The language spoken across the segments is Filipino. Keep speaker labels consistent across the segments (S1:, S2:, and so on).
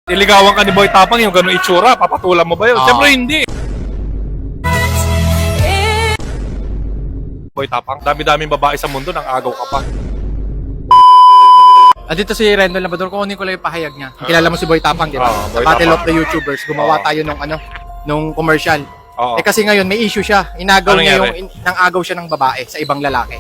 S1: Iligawan ka ni Boy Tapang, yung gano'ng itsura, papatulan mo ba yun? Siyempre hindi. Boy Tapang, dami-daming babae sa mundo, nang agaw ka pa.
S2: Dito si Rendon Labrador, kunin ko lang yung pahayag niya. Kilala mo si Boy Tapang, di ba? Sa
S1: Boy
S2: Battle
S1: Tapang.
S2: of the YouTubers, gumawa tayo nung commercial.
S1: Oo.
S2: Kasi ngayon may issue siya. Inagaw
S1: Anong
S2: niya
S1: nangyari?
S2: nang-agaw siya ng babae sa ibang lalaki.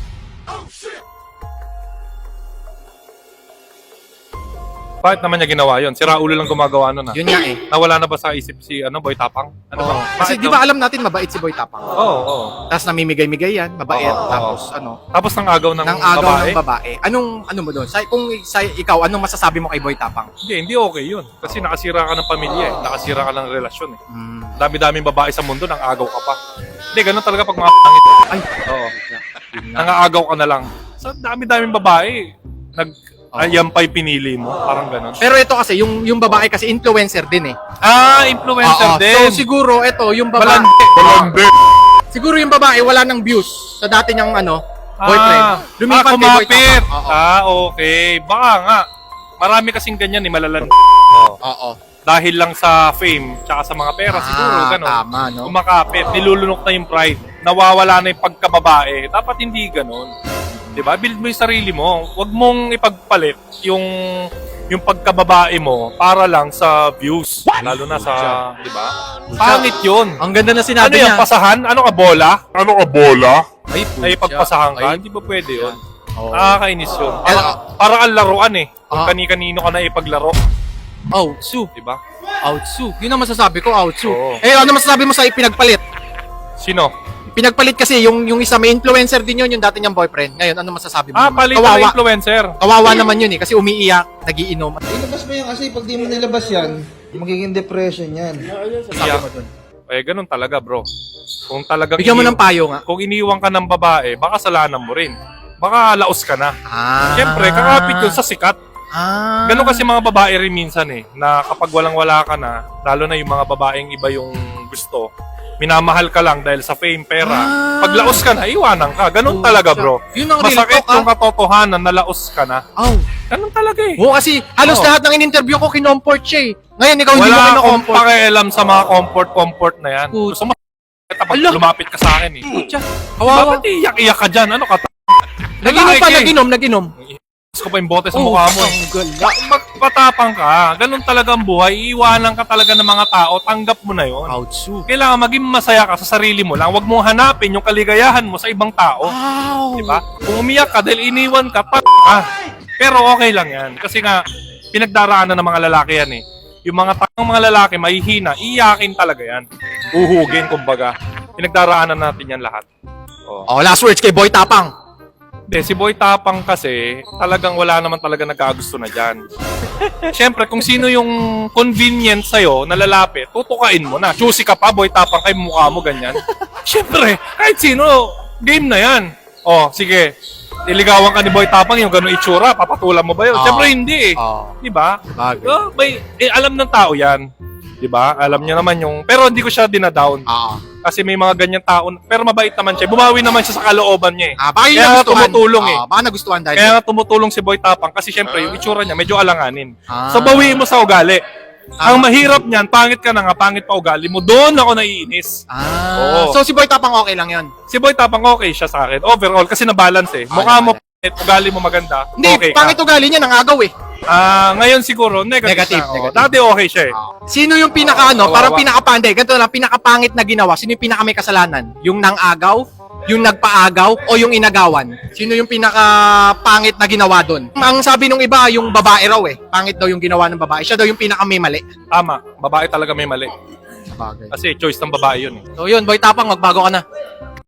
S1: Bakit naman niya ginawa yun? Si Raulo lang gumagawa nun.
S2: Yun nga eh.
S1: Nawala na ba sa isip si Boy Tapang? Ano
S2: Oo.
S1: ba?
S2: Kasi
S1: Bakit
S2: di ba alam natin mabait si Boy Tapang?
S1: Oo.
S2: Tapos namimigay-migay yan, mabait.
S1: Oo.
S2: Tapos
S1: Tapos nang agaw ng
S2: nang-agaw
S1: babae?
S2: ng babae. Ano mo doon? Ikaw, anong masasabi mo kay Boy Tapang?
S1: Hindi okay yun. Kasi nakasira ka ng pamilya eh. Nakasira ka ng relasyon eh.
S2: Hmm.
S1: Dami-daming babae sa mundo, nang agaw ka pa. Hindi, ganun talaga pag mga pangit.
S2: Ay,
S1: Oo. Nang-aagaw ka na lang. Sa dami-daming babae, yan pa yung pinili mo. Parang ganun.
S2: pero ito kasi, yung babae kasi influencer din eh.
S1: Influencer
S2: Oo.
S1: din.
S2: So siguro, ito, yung babae.
S1: Balande.
S2: Siguro yung babae wala ng views sa dati niyang boyfriend. Lumipat kay Boy
S1: kumapit.
S2: Tapang. Oo.
S1: Okay. Baka nga. Marami kasing ganyan eh, malalan.
S2: Oo.
S1: Dahil lang sa fame, tsaka sa mga pera, siguro, ganun.
S2: Tama, no?
S1: Kumakapit, nilulunok na yung pride. Nawawala na yung pagkababae. Dapat hindi ganun. Diba? Build mo yung sarili mo. Huwag mong ipagpalit yung pagkababae mo para lang sa views. Lalo na sa, di ba? Pangit yun.
S2: Ang ganda na
S1: Ano
S2: sinabi
S1: yan?
S2: niya.
S1: Pasahan? Ano ka, bola?
S2: Ay,
S1: Ay, pagpasahan ka? Hindi ba pwede yun?
S2: Oo.
S1: Nakakainis yun. Para ang laruan eh. Kung
S2: Ah.
S1: kani-kanino ka na ipaglaro.
S2: Outsu.
S1: Diba?
S2: Outsu. Yun ang masasabi ko, outsu.
S1: Oo.
S2: Ano masasabi mo sa pinagpalit?
S1: Sino?
S2: Pinagpalit kasi yung isa may influencer din yun, yung dati niyang boyfriend. Ngayon, ano masasabi mo? naman?
S1: Palit na
S2: Kawawa.
S1: influencer.
S2: Kawawa naman yun eh, kasi umiiyak, nagiinom.
S3: Ilabas mo yan kasi pag di mo nilabas yan, magiging depression yan.
S2: Sabi mo dun.
S1: Ganun talaga, bro. Kung talagang
S2: Bigyan mo ng payo nga.
S1: kung iniwan ka ng babae, baka salanan mo rin. Baka laos ka na. Siyempre, kakapit yun sa sikat. Ganun kasi mga babae rin minsan eh, na kapag walang-wala ka na, lalo na yung mga babaeng iba yung gusto, minamahal ka lang dahil sa fame, pera. Pag laos ka na, iwanan ka. Ganun talaga, bro.
S2: Yun ang real
S1: Masakit
S2: talk,
S1: yung katotohanan na laos ka na. Ganun talaga eh.
S2: Oo, kasi halos
S1: Oo.
S2: lahat ng in-interview ko kinomport siya eh. Ngayon, ikaw hindi mo
S1: Wala akong
S2: kinomport.
S1: pakialam sa mga comfort na yan.
S2: Puta.
S1: Gusto mo, kapag
S2: Ala.
S1: lumapit ka sa akin eh.
S2: Pucha, kawawa.
S1: Bakit iyak-iyak ka dyan? Ano ka?
S2: Naginom pa,
S1: Lalaki.
S2: naginom.
S1: Gusto ko pa yung bote sa mukha mo.
S2: Ang gala.
S1: Magpatapang ka. Ganun talaga ang buhay. Iiwanan ka talaga ng mga tao. Tanggap mo na yon.
S2: Outsu.
S1: Kailangan maging masaya ka sa sarili mo lang. Huwag mong hanapin yung kaligayahan mo sa ibang tao.
S2: Wow.
S1: Diba? Kung umiyak ka dahil iniwan ka, ka. Pero okay lang yan. Kasi nga, pinagdaraanan ng mga lalaki yan eh. Yung mga lalaki, mahihina, iyakin talaga yan. Uhugin, kumbaga. Pinagdaraanan natin yan lahat.
S2: Oh, last words kay Boy Tapang.
S1: Hindi, si Boy Tapang kasi, talagang wala naman talaga nagkagusto na dyan. Siyempre, kung sino yung convenient sa'yo na lalapit, tutukain mo na. Choosy ka pa, Boy Tapang, kay mukha mo ganyan. Siyempre, kahit sino, game na yan. Sige. Iligawan ka ni Boy Tapang, yung gano'ng itsura, papatulan mo ba yun? Siyempre, hindi eh. Diba?
S2: Bagay.
S1: Alam ng tao yan. Diba? Alam niya naman yung... Pero hindi ko siya dinadown. Kasi may mga ganyan tao. Pero mabait naman siya. Bumawi naman siya sa kalooban niya eh.
S2: Baka yun
S1: Kaya
S2: nagustuhan.
S1: tumutulong eh.
S2: Baka nagustuhan dahil.
S1: Kaya nga tumutulong si Boy Tapang kasi syempre yung itsura niya medyo alanganin.
S2: Ah.
S1: So bawiin mo sa ugali. Ang mahirap niyan, pangit ka na nga, pangit pa ugali mo. Doon ako naiinis. Oo.
S2: So si Boy Tapang okay lang yun?
S1: Si Boy Tapang okay siya sa akin. Overall kasi na-balance eh. Mukha mo pangit, ugali mo maganda.
S2: Hindi,
S1: okay ka.
S2: pangit ugali niya, nangagaw eh.
S1: Ngayon siguro negative. na.
S2: Negative.
S1: Dati okay siya eh.
S2: Sino yung parang pinakapanday, ganito lang, pinakapangit na ginawa, sino yung pinaka may kasalanan? Yung nang-agaw, yung nagpaagaw, o yung inagawan? Sino yung pinakapangit na ginawa doon? Ang sabi nung iba, yung babae raw eh. Pangit daw yung ginawa ng babae. Siya daw yung pinaka may mali.
S1: Tama, babae talaga may mali. Kasi choice ng babae yun eh.
S2: So yun, Boy Tapang, magbago ka na.